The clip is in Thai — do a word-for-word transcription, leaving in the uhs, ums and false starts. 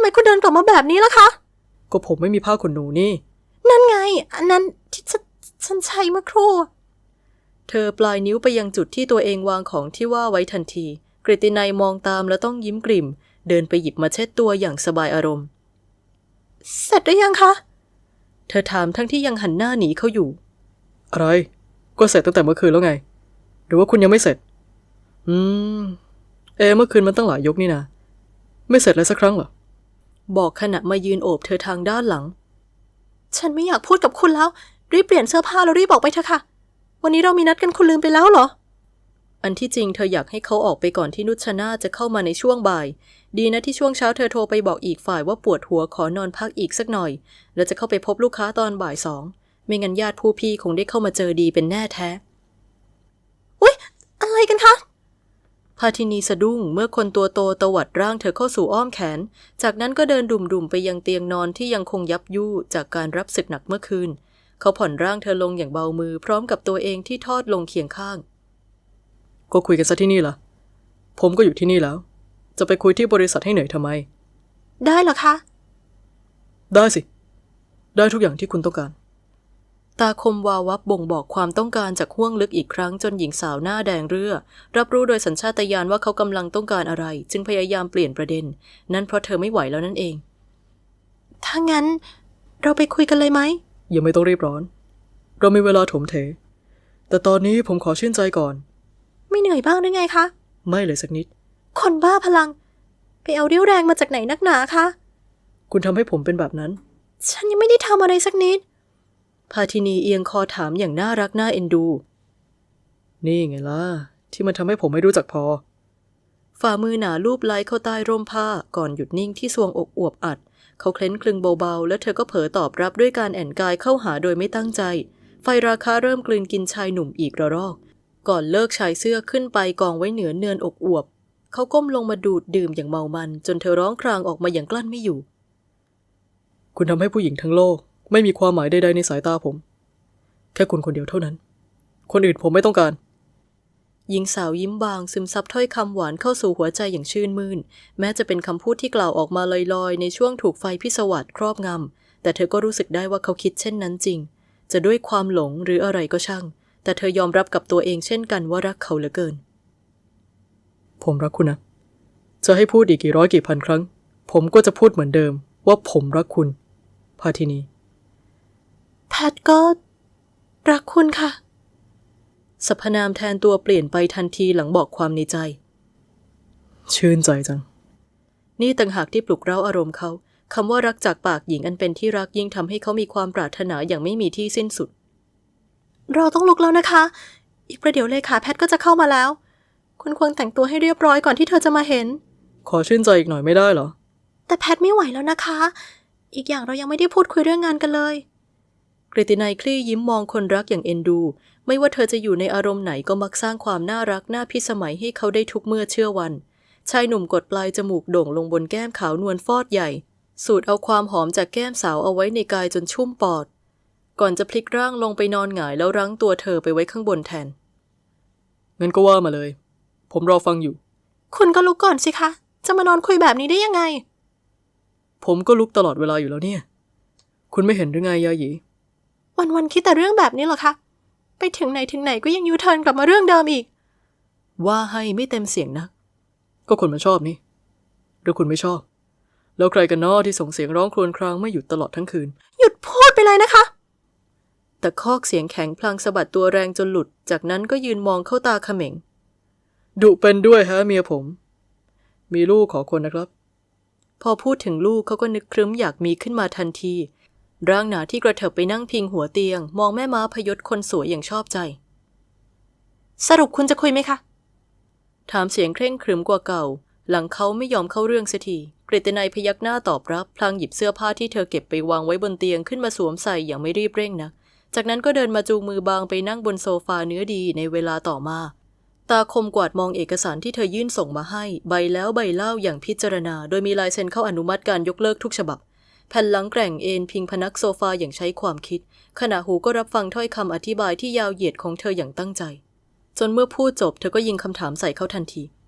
ไมคุณเดินกลับมาแบบนี้ล่ะคะก็ผมไม่มีผ้าขนหนูนี่นั่นไงอันนั้นที่ฉันฉันใช้เมื่อครู่เธอปลายนิ้วไปยังจุดที่ตัวเองวางของที่ว่าไว้ทันทีกฤตินัยมองตามแล้วต้องยิ้มกริ่มเดินไปหยิบมาเช็ดตัวอย่างสบายอารมณ์เสร็จหรือยังคะเธอถามทั้งที่ยังหันหน้าหนีเขาอยู่อะไรก็เสร็จตั้งแต่เมื่อคืนแล้วไงหรือว่าคุณยังไม่เสร็จอืมเอเมื่อคืนมันตั้งหลายยกนี่นะไม่เสร็จเลยสักครั้งเหรอบอกขณะมายืนโอบเธอทางด้านหลังฉันไม่อยากพูดกับคุณแล้วรีบเปลี่ยนเสื้อผ้าแล้วรีบออกไปเถอะค่ะวันนี้เรามีนัดกันคุณลืมไปแล้วเหรออันที่จริงเธออยากให้เขาออกไปก่อนที่นุชนาจะเข้ามาในช่วงบ่ายดีนะที่ช่วงเช้าเธอโทรไปบอกอีกฝ่ายว่าปวดหัวขอนอนพักอีกสักหน่อยแล้วจะเข้าไปพบลูกค้าตอนบ่ายสองไม่งั้นญาติผู้พี่คงได้เข้ามาเจอดีเป็นแน่แท้อุ๊ยอะไรกันคะพาทินีสะดุ้งเมื่อคนตัวโตตวัดร่างเธอเข้าสู่อ้อมแขนจากนั้นก็เดินดุ่มๆไปยังเตียงนอนที่ยังคงยับยู่จากการรับศึกหนักเมื่อคืนเขาผ่อนร่างเธอลงอย่างเบามือพร้อมกับตัวเองที่ทอดลงเคียงข้างก็คุยกันซะที่นี่ล่ะผมก็อยู่ที่นี่แล้วจะไปคุยที่บริษัทให้เหนื่อยทำไมได้เหรอคะได้สิได้ทุกอย่างที่คุณต้องการตาคมวาวับบ่งบอกความต้องการจากห้วงลึกอีกครั้งจนหญิงสาวหน้าแดงเรื่อรับรู้โดยสัญชาตญาณว่าเขากำลังต้องการอะไรจึงพยายามเปลี่ยนประเด็นนั่นเพราะเธอไม่ไหวแล้วนั่นเองถ้างั้นเราไปคุยกันเลยไหมยังไม่ต้องรีบร้อนเรามีเวลาถมเถแต่ตอนนี้ผมขอชื่นใจก่อนไม่เหนื่อยบ้างหรือไงคะไม่เลยสักนิดคนบ้าพลังไปเอาเรี่ยวแรงมาจากไหนนักหนาคะคุณทำให้ผมเป็นแบบนั้นฉันยังไม่ได้ทำอะไรสักนิดพาทินีเอียงคอถามอย่างน่ารักน่าเอ็นดูนี่ไงล่ะที่มันทำให้ผมไม่รู้จักพอฝ่ามือหนาลูบไล้เข้าใต้ร่มผ้าก่อนหยุดนิ่งที่ทรวงอกอวบอัดเขาเคล้นคลึงเบาๆแล้วเธอก็เผลอตอบรับด้วยการแอนกายเข้าหาโดยไม่ตั้งใจไฟราคาเริ่มกลืนกินชายหนุ่มอีกระรอกก่อนเลิกชายเสื้อขึ้นไปกองไว้เหนือเนินอกอวบเขาก้มลงมาดูดดื่มอย่างเมามันจนเธอร้องครางออกมาอย่างกลั้นไม่อยู่คุณทำให้ผู้หญิงทั้งโลกไม่มีความหมายใดๆในสายตาผมแค่คุณคนเดียวเท่านั้นคนอื่นผมไม่ต้องการหญิงสาวยิ้มบางซึมซับถ้อยคำหวานเข้าสู่หัวใจอย่างชื่นมื่นแม้จะเป็นคำพูดที่กล่าวออกมาลอยๆในช่วงถูกไฟพิศวาสครอบงำแต่เธอก็รู้สึกได้ว่าเขาคิดเช่นนั้นจริงจะด้วยความหลงหรืออะไรก็ช่างแต่เธอยอมรับกับตัวเองเช่นกันว่ารักเขาเหลือเกินผมรักคุณนะจะให้พูดอีกกี่ร้อยกี่พันครั้งผมก็จะพูดเหมือนเดิมว่าผมรักคุณพาทินีแพทก็รักคุณค่ะสรรพนามแทนตัวเปลี่ยนไปทันทีหลังบอกความในใจชื่นใจจังนี่ต่างหากที่ปลุกเร้าอารมณ์เขาคำว่ารักจากปากหญิงอันเป็นที่รักยิ่งทำให้เขามีความปรารถนาอย่างไม่มีที่สิ้นสุดเราต้องลุกแล้วนะคะอีกประเดี๋ยวเลขาแพทก็จะเข้ามาแล้วคุณควรแต่งตัวให้เรียบร้อยก่อนที่เธอจะมาเห็นขอชื่นใจอีกหน่อยไม่ได้เหรอแต่แพทไม่ไหวแล้วนะคะอีกอย่างเรายังไม่ได้พูดคุยเรื่องงานกันเลยกฤตินัยคลี่ยิ้มมองคนรักอย่างเอ็นดูไม่ว่าเธอจะอยู่ในอารมณ์ไหนก็มักสร้างความน่ารักน่าพิสมัยให้เขาได้ทุกเมื่อเชื่อวันชายหนุ่มกดปลายจมูกโด่งลงบนแก้มขาวนวลฟอดใหญ่สูดเอาความหอมจากแก้มสาวเอาไว้ในกายจนชุ่มปอดก่อนจะพลิกร่างลงไปนอนหงายแล้วรั้งตัวเธอไปไว้ข้างบนแทนงั้นก็ว่ามาเลยผมรอฟังอยู่คุณก็ลุกก่อนสิคะจะมานอนคุยแบบนี้ได้ยังไงผมก็ลุกตลอดเวลาอยู่แล้วเนี่ยคุณไม่เห็นหรือไงยาหยีวันๆคิดแต่เรื่องแบบนี้เหรอคะไปถึงไหนถึงไหนก็ยังยูเทิร์นกลับมาเรื่องเดิมอีกว่าให้ไม่เต็มเสียงนักก็คนมันชอบนี่หรือคุณไม่ชอบแล้วใครกันน้อที่ส่งเสียงร้องครวญครางไม่หยุดตลอดทั้งคืนหยุดพูดไปเลยนะคะแต่คอกเสียงแข็งพลางสะบัดตัวแรงจนหลุดจากนั้นก็ยืนมองเข้าตาเขม็งดุเป็นด้วยฮะเมียผมมีลูกขอคนนะครับพอพูดถึงลูกเขาก็นึกครึ้มอยากมีขึ้นมาทันทีร่างหนาที่กระเถิบไปนั่งพิงหัวเตียงมองแม่ม้าพยศคนสวยอย่างชอบใจสรุปคุณจะคุยไหมคะถามเสียงเคร่งครึ้มกว่าเก่าหลังเขาไม่ยอมเข้าเรื่องเสียทีกฤตินัยพยักหน้าตอบรับพลางหยิบเสื้อผ้าที่เธอเก็บไปวางไว้บนเตียงขึ้นมาสวมใส่อย่างไม่รีบเร่งนักจากนั้นก็เดินมาจูงมือบางไปนั่งบนโซฟาเนื้อดีในเวลาต่อมาตาคมกวาดมองเอกสารที่เธอยื่นส่งมาให้ใบแล้วใบเล่าอย่างพิจารณาโดยมีลายเซ็นเข้าอนุมัติการยกเลิกทุกฉบับแผ่นหลังแกร่งเอนพิงพนักโซฟาอย่างใช้ความคิดขณะหูก็รับฟังถ้อยคำอธิบายที่ยาวเหยียดของเธออย่างตั้งใจจนเมื่อพูดจบเธอก็ยิงคำถามใส่เขาทันที